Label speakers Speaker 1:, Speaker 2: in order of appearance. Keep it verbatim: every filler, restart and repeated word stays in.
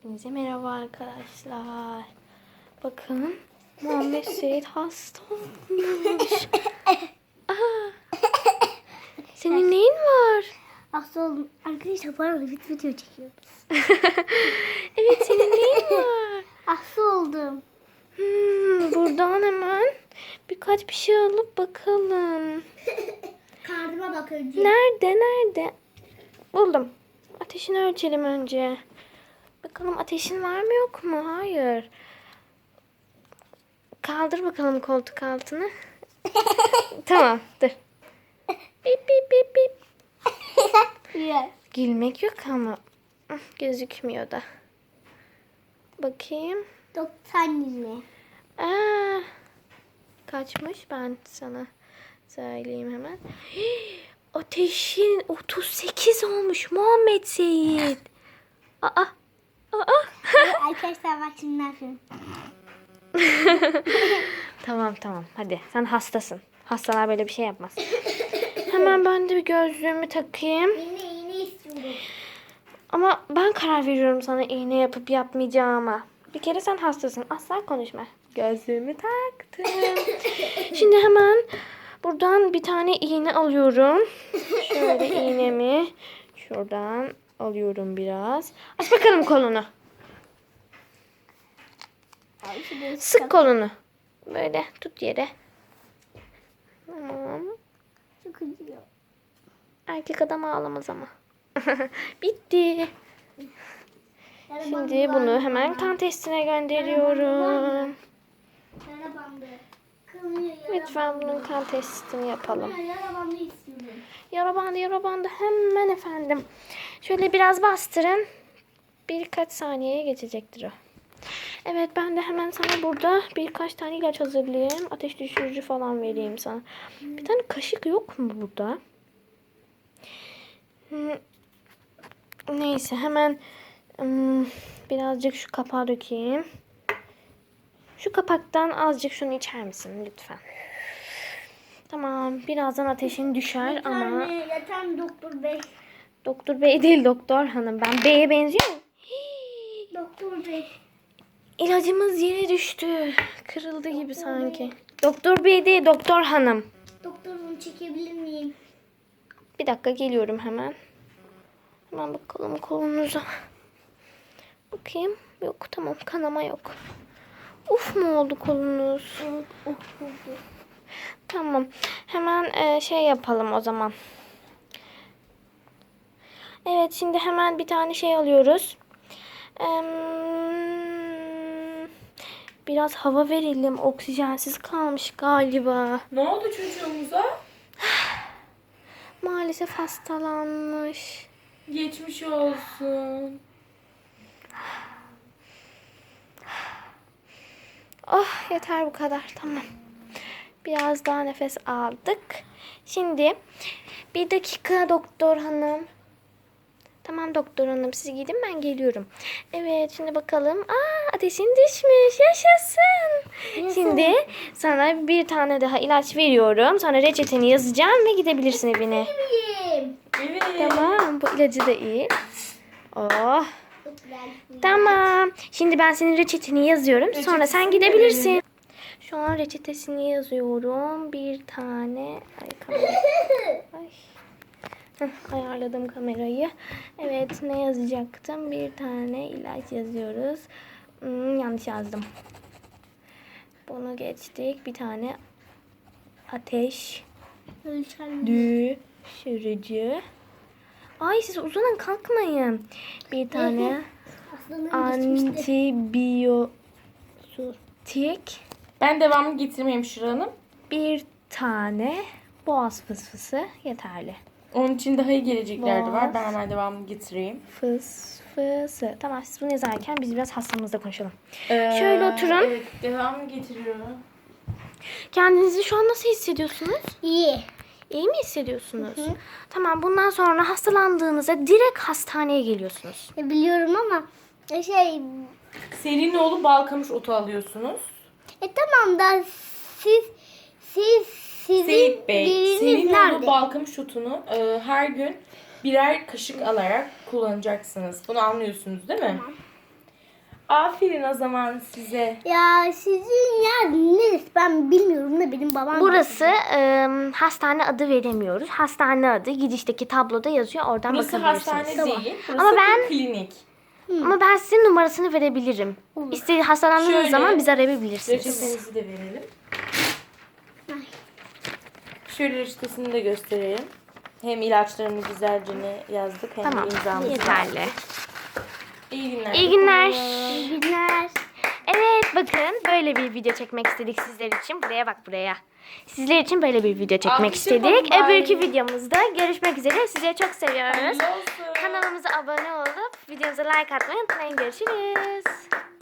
Speaker 1: Hepinize merhaba arkadaşlar. Bakın Muhammed Seyit hasta olmuş. Aa, senin neyin var?
Speaker 2: Hasta oldum. Arkadaşlar bana bir video çekiyoruz.
Speaker 1: Evet, senin neyin var?
Speaker 2: Hasta oldum.
Speaker 1: Hmm, buradan hemen birkaç bir şey alıp bakalım.
Speaker 2: Karnıma bak önce.
Speaker 1: Nerede nerede? Buldum. Ateşini ölçelim önce. Bakalım ateşin var mı yok mu? Hayır. Kaldır bakalım koltuk altını. Tamam, dur. Bip bip bip bip.
Speaker 2: Yes.
Speaker 1: Gülmek yok ama gözükmüyor da. Bakayım.
Speaker 2: doksan yirmi.
Speaker 1: Aa, kaçmış, ben sana söyleyeyim hemen. Hii, ateşin otuz sekiz olmuş Muhammed Seyit. Aa, aa.
Speaker 2: Arkadaşlar bak şimdi ne yapıyorum.
Speaker 1: Tamam tamam, hadi, sen hastasın. Hastalar böyle bir şey yapmaz. Hemen ben de bir gözlüğümü takayım.
Speaker 2: Yine iğne istiyorum.
Speaker 1: Ama ben karar veriyorum sana iğne yapıp yapmayacağıma. Bir kere sen hastasın. Asla konuşma. Gözlüğümü taktım. Şimdi hemen buradan bir tane iğne alıyorum. Şöyle iğnemi şuradan alıyorum biraz. Aç bakalım kolunu.
Speaker 2: Abi şimdi
Speaker 1: Sık kolunu. Böyle tut yere. Tamam.
Speaker 2: çok acıyor.
Speaker 1: Erkek adam ağlamaz ama. Bitti.
Speaker 2: Yara
Speaker 1: Şimdi
Speaker 2: bandı
Speaker 1: bunu
Speaker 2: var.
Speaker 1: hemen kan testine gönderiyorum.
Speaker 2: Yara bandı. Kılmıyor yara
Speaker 1: Lütfen bunun kan testini yapalım.
Speaker 2: bandı. Yara bandı istiyorum.
Speaker 1: Yara bandı, yara bandı hemen efendim. Şöyle biraz bastırın. Birkaç saniyeye geçecektir o. Evet, ben de hemen sana burada birkaç tane ilaç hazırlayayım. Ateş düşürücü falan vereyim sana. Bir tane kaşık yok mu burada? Hmm. Neyse, hemen hmm, birazcık şu kapağı dökeyim. Şu kapaktan azıcık şunu içer misin lütfen? Tamam, birazdan ateşin düşer ama...
Speaker 2: Yeter mi? Yeter mi doktor bey?
Speaker 1: Doktor bey değil, doktor hanım. Ben beye benziyor muyum? Hii,
Speaker 2: Doktor bey.
Speaker 1: İlacımız yere düştü. Kırıldı gibi sanki. Doktor bey değil, doktor hanım.
Speaker 2: Doktor bunu çekebilir miyim?
Speaker 1: Bir dakika, geliyorum hemen. Hemen bakalım kolunuza. Bakayım. Yok, tamam, kanama yok. Uf mu oldu kolunuz?
Speaker 2: Evet. Oh, oldu.
Speaker 1: Tamam. Hemen e, şey yapalım o zaman. Evet, şimdi hemen bir tane şey alıyoruz. Eee, biraz hava verelim. Oksijensiz kalmış galiba.
Speaker 3: Ne oldu çocuğumuza?
Speaker 1: Maalesef hastalanmış.
Speaker 3: Geçmiş olsun.
Speaker 1: Oh, yeter bu kadar. Tamam. Biraz daha nefes aldık. Şimdi bir dakika doktor hanım. Tamam doktor hanım, siz gidin, ben geliyorum. Evet, şimdi bakalım. Aa, ateşin düşmüş. Yaşasın. Şimdi sana bir tane daha ilaç veriyorum. Sonra reçeteni yazacağım ve gidebilirsin evine.
Speaker 2: Miyim?
Speaker 3: Evet.
Speaker 1: Tamam, bu ilacı da iyi. Oh.
Speaker 2: Çok güzel.
Speaker 1: Tamam. Şimdi ben senin reçeteni yazıyorum. Sonra sen
Speaker 3: Reçetesini
Speaker 1: gidebilirsin.
Speaker 3: verelim.
Speaker 1: Şu an reçetesini yazıyorum. Bir tane. Ay, kamera. Ay. Heh, ayarladım kamerayı. Evet, ne yazacaktım? Bir tane ilaç yazıyoruz. Hmm, yanlış yazdım. Bunu geçtik. Bir tane ateş
Speaker 2: Ölçen
Speaker 1: düşürücü. Ay, siz uzanın, kalkmayın. Bir tane
Speaker 2: hastalığım geçmişti.
Speaker 1: antibiyotik.
Speaker 3: Ben devamlı getirmeyeyim Şura Hanım.
Speaker 1: Bir tane boğaz fısfısı yeterli.
Speaker 3: Onun için daha iyi gelecekler de var.
Speaker 1: Boğaz.
Speaker 3: Ben hemen devamlı getireyim.
Speaker 1: Fısfısı. Tamam, siz bunu yazarken biz biraz hastamızla konuşalım.
Speaker 3: Ee,
Speaker 1: Şöyle oturun.
Speaker 3: Evet, devamlı getiriyorum.
Speaker 1: Kendinizi şu an nasıl hissediyorsunuz?
Speaker 2: İyi.
Speaker 1: İyi mi hissediyorsunuz? Tamam, bundan sonra hastalandığınızda direkt hastaneye geliyorsunuz.
Speaker 2: E, biliyorum ama e, şey
Speaker 3: Serinoğlu balkamış otu alıyorsunuz.
Speaker 2: e tamam da siz siz sizin
Speaker 3: Seyit Bey,
Speaker 2: biriniz
Speaker 3: Serinoğlu
Speaker 2: nerede?
Speaker 3: balkamış otunu e, her gün birer kaşık alarak kullanacaksınız. Bunu anlıyorsunuz değil mi?
Speaker 2: Tamam.
Speaker 3: Aferin o zaman size.
Speaker 2: Ya sizin yer neresi ben bilmiyorum da benim babam.
Speaker 1: Burası e, hastane adı veremiyoruz. Hastane adı girişteki tabloda yazıyor. Oradan
Speaker 3: Burası
Speaker 1: bakabilirsiniz.
Speaker 3: hastane değil. Burası
Speaker 1: Ama
Speaker 3: bir
Speaker 1: ben-
Speaker 3: klinik.
Speaker 1: Ama ben sizin numarasını verebilirim. İstediğiniz hastalandığınız
Speaker 3: Şöyle,
Speaker 1: zaman bizi arayabilirsiniz.
Speaker 3: Reçetenizi de verelim. Şöyle reçetesini de gösterelim. Hem ilaçlarını güzelce ne yazdık hem
Speaker 1: Tamam.
Speaker 3: de imzamızı
Speaker 1: Yeterli.
Speaker 3: yazdık. İyi günler.
Speaker 1: İyi günler.
Speaker 2: İyi günler.
Speaker 1: Evet bakın böyle bir video çekmek istedik sizler için. Buraya bak buraya. Sizler için böyle bir video çekmek
Speaker 3: Alkış
Speaker 1: istedik.
Speaker 3: yapalım bari.
Speaker 1: Öbürkü videomuzda görüşmek üzere. Sizi çok seviyoruz.
Speaker 3: Hayırlı olsun.
Speaker 1: Kanalımıza abone olup videomuza like atmayı unutmayın. Görüşürüz.